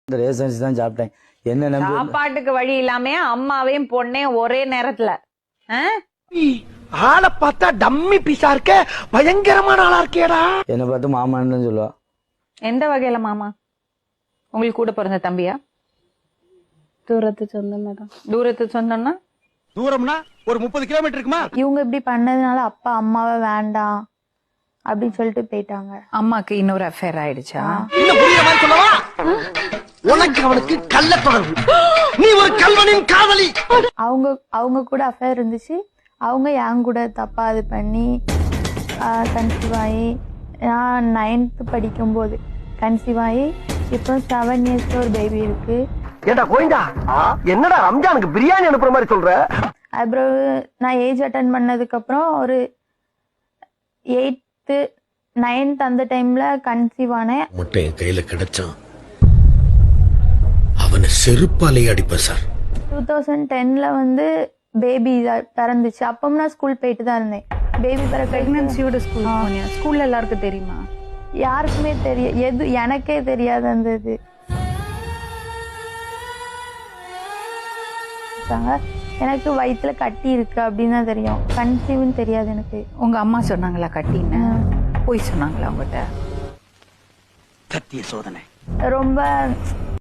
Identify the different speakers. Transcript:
Speaker 1: இந்த ரேஷன்ஸ் தான் சாப்பிட்டேன். என்ன நம்பி
Speaker 2: சாப்பாட்டுக்கு வழி இல்லாம அம்மாவையும் பொண்ணையும் ஒரே நேரத்துல
Speaker 3: ஆளை பார்த்தா டம்மி பீஸா இருக்க, பயங்கரமான ஆளா இருக்கேடா.
Speaker 1: என்ன பார்த்து மாமான்னு சொல்லுவா.
Speaker 2: எந்த வகையில மாமா? உங்களுக்கு கூட பிறந்த தம்பியா?
Speaker 4: தூரத்து சொந்தமே தான்.
Speaker 2: தூரத்து சொந்தம்னா
Speaker 3: தூரம்னா ஒரு 30 கிலோமீட்டர் இருக்குமா?
Speaker 4: இவங்க இப்படி பண்ணதுனால அப்பா அம்மாவை வேண்டாம் அப்படின்னு சொல்லிட்டு போயிட்டாங்க.
Speaker 2: அம்மாக்கு இன்னொரு அஃபேர் ஆயிடுச்சா?
Speaker 3: இன்னும் புரியுற மாதிரி சொல்லவா? உனக்கு அவனுக்கு கள்ள தொடர்பு, நீ ஒரு கல்வனின் காதலி.
Speaker 4: அவங்க கூட அஃபேர் இருந்துச்சு. அவங்க என் கூட தப்பா இது பண்ணி கன்சீவ் ஆகி, நான் 9th படிக்கும்போது கன்சீவ் ஆகி இப்போ 7 இயர்ஸ்ல ஒரு பேபி இருக்கு.
Speaker 3: ஏண்டா கோயிந்தா, என்னடா ரம்ஜானுக்கு பிரியாணி அனுப்புற மாதிரி சொல்ற?
Speaker 4: அப்புறம் நான் ஏஜ் அட்டன் பண்ணதுக்கு அப்புறம் ஒரு 8th 9th அந்த டைம்ல கன்சீவ் ஆனேன்.
Speaker 5: மட்டும் என் கையில கிடைச்சான் அவனை செருப்பாலே அடிப்பேன் சார்.
Speaker 4: 2010ல வந்து பேபி பிறந்துச்சு. அப்பவும் நான் ஸ்கூல் போயிட்டு தான் இருந்தேன். பேபி
Speaker 2: பிரெக்னன்சியோட ஸ்கூல் போனியா? ஸ்கூல்ல எல்லாருக்கும் தெரியுமா?
Speaker 4: யாருக்குமே எனக்கே தெரியாது அந்த இது. எனக்கு வயிற்றுல கட்டி இருக்கு அப்படின்னு தான் தெரியும், கன்சீவ்னு தெரியாது எனக்கு.
Speaker 2: உங்க அம்மா சொன்னாங்களா கட்டின்னு? போய் சொன்னாங்களா உங்ககிட்ட?
Speaker 3: சத்திய சோதனை
Speaker 4: ரொம்ப